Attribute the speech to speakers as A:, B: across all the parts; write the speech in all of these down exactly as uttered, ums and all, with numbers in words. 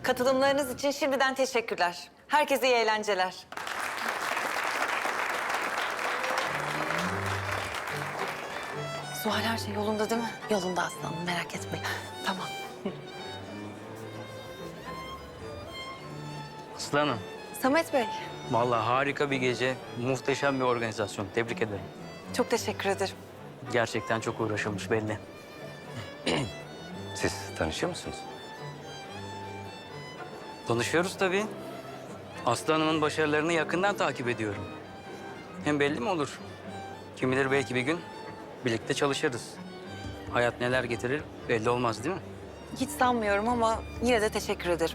A: Katılımlarınız için şimdiden teşekkürler. Herkese iyi eğlenceler. Zuhal, her şey yolunda değil mi?
B: Yolunda aslanım, merak etmeyin.
A: Tamam.
C: Aslanım,
A: Samet Bey,
C: vallahi harika bir gece, muhteşem bir organizasyon. Tebrik ederim.
A: çok teşekkür ederim.
C: Gerçekten çok uğraşılmış belli.
D: Siz tanışıyor musunuz?
C: Tanışıyoruz tabii. Aslı Hanım'ın başarılarını yakından takip ediyorum. Hem belli mi olur? Kim bilir belki bir gün birlikte çalışırız. Hayat neler getirir belli olmaz değil mi?
A: Hiç sanmıyorum ama yine de teşekkür ederim.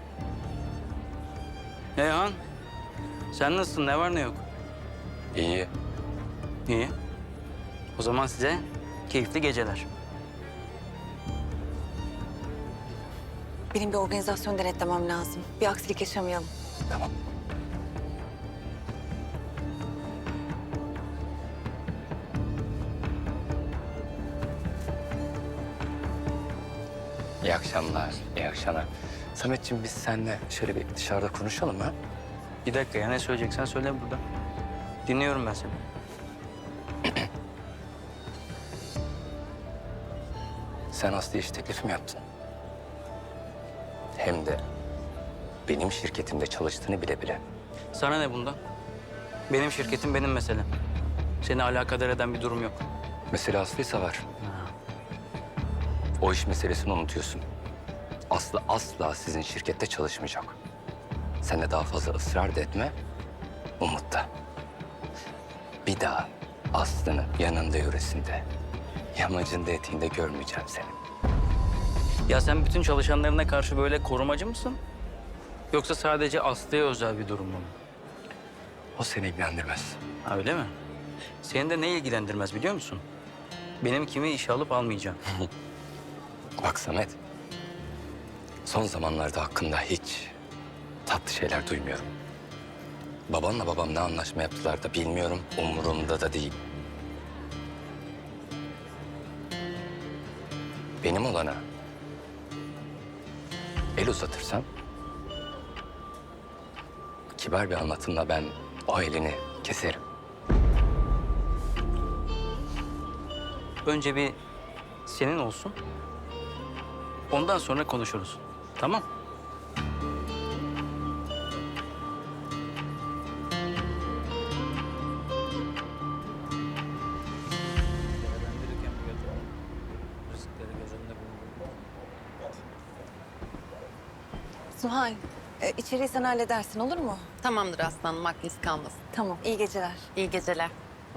C: Eyhan, sen nasılsın? Ne var ne yok?
D: İyi.
C: İyi. O zaman size keyifli geceler.
A: Benim bir organizasyon denetlemem lazım. Bir aksilik yaşamayalım.
D: Tamam. İyi akşamlar, iyi akşamlar. Sametciğim biz seninle şöyle bir dışarıda konuşalım ha?
C: Bir dakika ya, ne söyleyeceksen söyle burada. Dinliyorum ben seni.
D: Sen Aslı'ya iş teklifi mi yaptın? Hem de benim şirketimde çalıştığını bile bile.
C: Sana ne bundan? Benim şirketim benim meselem. Seni alakadar eden bir durum yok.
D: Mesele Aslı'ysa var. O iş meselesini unutuyorsun. Aslı asla sizin şirkette çalışmayacak. Sen de daha fazla ısrar da etme, umut da. Bir daha Aslı'nın yanında yöresinde, yamacında eteğinde görmeyeceğim seni.
C: Ya sen bütün çalışanlarına karşı böyle korumacı mısın? Yoksa sadece Aslı'ya özel bir durum mu?
D: O seni ilgilendirmez.
C: Ha, öyle mi? Seni de ne ilgilendirmez biliyor musun? Benim kimi işe alıp almayacağım.
D: Bak Samet, son zamanlarda hakkında hiç tatlı şeyler duymuyorum. Babanla babam ne anlaşma yaptılar da bilmiyorum, umurumda da değil. Benim olana el uzatırsan, kibar bir anlatımla ben o elini keserim.
C: Önce bir senin olsun. Ondan sonra konuşuruz. Tamam?
A: Zuhal, e, içeriği sen halledersin, olur mu?
B: Tamamdır aslanım, aklınız kalmasın.
A: Tamam, iyi geceler.
B: İyi geceler.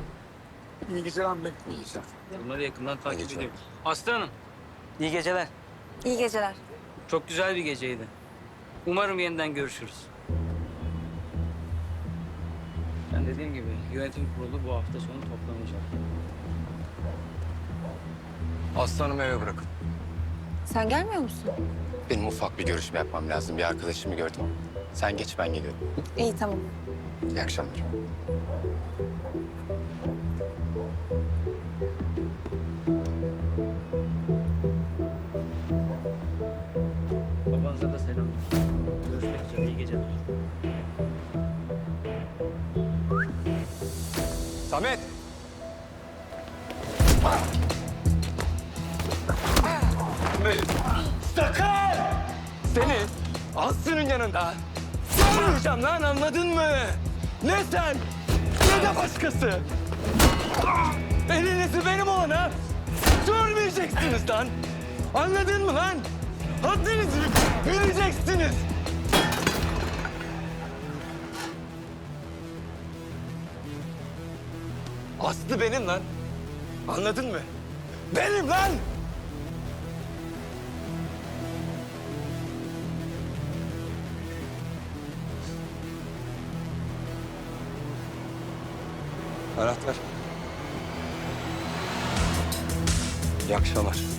C: Bunları yakından takip
D: geceler.
C: ediyorum. Aslı Hanım, iyi geceler.
A: İyi geceler.
C: Çok güzel bir geceydi. Umarım yeniden görüşürüz. Ben dediğim gibi yönetim kurulu bu hafta sonu toplanacak.
D: Aslanımı eve bırakın.
A: Sen gelmiyor musun?
D: Benim ufak bir görüşme yapmam lazım. Bir arkadaşımı gördüm. Sen geç, ben geliyorum.
A: İyi, tamam.
D: İyi akşamlar.
C: Babanıza da selam. Görüşmek üzere, iyi geceler.
D: Samet!
E: Sakar! Seni Aslı'nın yanında görmeyeceğim lan, anladın mı? Ne sen ne de başkası. Elinizi benim olana sürmeyeceksiniz lan. Anladın mı lan? Haddinizi bileceksiniz. Aslı benim lan. Anladın mı? Benim lan.
D: Anahtar. İyi akşamlar.